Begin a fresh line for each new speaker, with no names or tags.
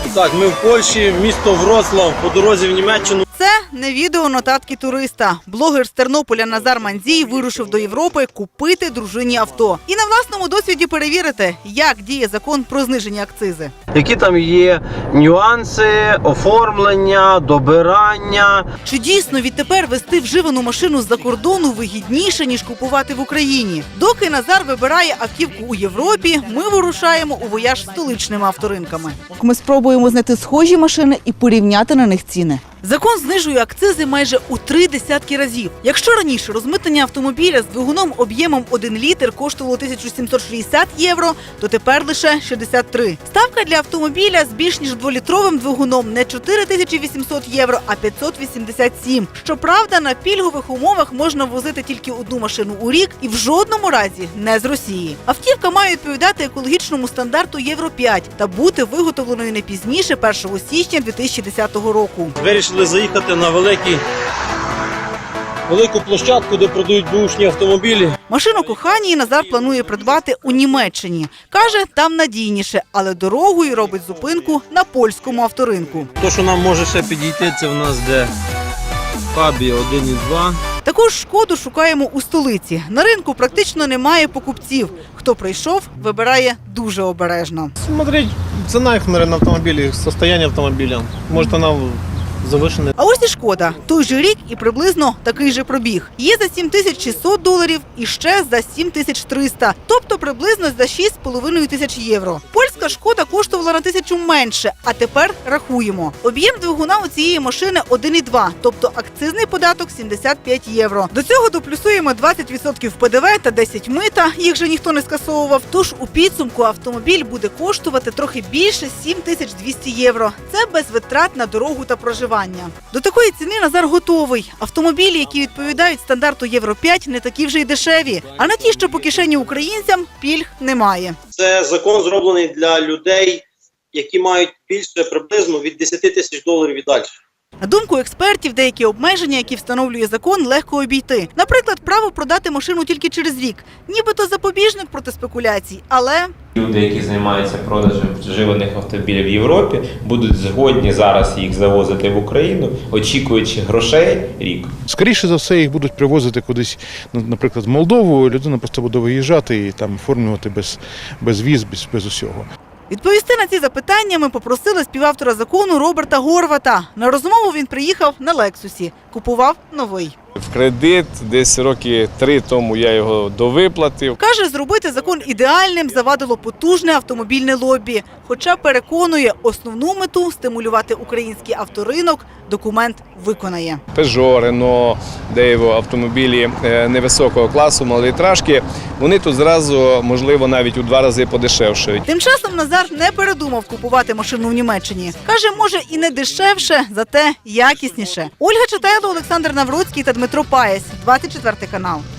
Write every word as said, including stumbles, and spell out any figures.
Так, ми в Польщі, місто Вроцлав, по дорозі в Німеччину.
Це не відео нотатки туриста. Блогер з Тернополя Назар Мандзій вирушив до Європи купити дружині авто. І на власному досвіді перевірити, як діє закон про знижені акцизи.
Які там є нюанси, оформлення, добирання.
Чи дійсно відтепер везти вживану машину з-за кордону вигідніше, ніж купувати в Україні? Доки Назар вибирає автівку у Європі, ми вирушаємо у вояж столичними авторинками.
Ми спробуємо знайти схожі машини і порівняти на них ціни.
Закон знижує акцизи майже у три десятки разів. Якщо раніше розмитнення автомобіля з двигуном об'ємом один літр коштувало тисячу сімсот шістдесят євро, то тепер лише шістдесят три. Ставка для автомобіля з більш ніж дволітровим двигуном не чотири тисячі вісімсот євро, а п'ятсот вісімдесят сім. Щоправда, на пільгових умовах можна возити тільки одну машину у рік і в жодному разі не з Росії. Автівка має відповідати екологічному стандарту Євро п'ять та бути виготовленою не пізніше першого січня дві тисячі десятого року.
Вирішили заїхати на великі, велику площадку, де продають бушні автомобілі.
Машину коханій Назар планує придбати у Німеччині. Каже, там надійніше, але дорогою робить зупинку на польському авторинку.
То, що нам може ще підійти, це в нас де Фабія один і два.
Таку ж шкоду шукаємо у столиці. На ринку практично немає покупців. Хто прийшов, вибирає дуже обережно.
Смотреть цена их, наверное, на автомобиле, состояние автомобиля. Может, она завышена.
А ось і шкода. Той же рік і приблизно такий же пробіг. Є за сім тисяч шістсот доларів і ще за сім тисяч триста. Тобто приблизно за шість з половиною тисяч євро. Польська шкода коштувала на тисячу менше, а тепер рахуємо. Об'єм двигуна у цієї машини один і два, тобто акцизний податок сімдесят п'ять євро. До цього доплюсуємо двадцять відсотків Пе Де Ве та десять мита, їх же ніхто не скасовував. Тож у підсумку автомобіль буде коштувати трохи більше сім тисяч двісті євро. Це без витрат на дорогу та проживання. До такої ціни Назар готовий. Автомобілі, які відповідають стандарту Євро п'ять, не такі вже й дешеві. А на ті, що по кишені українцям, пільг немає.
Це закон зроблений для людей, які мають більше приблизно від десяти тисяч доларів і далі.
На думку експертів, деякі обмеження, які встановлює закон, легко обійти. Наприклад, право продати машину тільки через рік. Нібито запобіжник проти спекуляцій, але...
Люди, які займаються продажем вживаних автомобілів в Європі, будуть згодні зараз їх завозити в Україну, очікуючи грошей рік.
Скоріше за все, їх будуть привозити кудись, наприклад, в Молдову, людина просто буде виїжджати і там оформлювати без, без віз, без, без усього.
Відповісти на ці запитання ми попросили співавтора закону Роберта Горвата. На розмову він приїхав на Лексусі. Купував новий.
В кредит, десь роки три тому я його довиплатив.
Каже, зробити закон ідеальним завадило потужне автомобільне лобі. Хоча переконує, основну мету – стимулювати український авторинок – документ виконає.
Пежо, Рено, Дейво, автомобілі невисокого класу, малолітражки, вони тут зразу, можливо, навіть у два рази подешевшають.
Тим часом Назар не передумав купувати машину в Німеччині. Каже, може і не дешевше, зате якісніше. Ольга Читайло, Олександр Навроцький та Дмитро Паєсь. двадцять четвертий канал.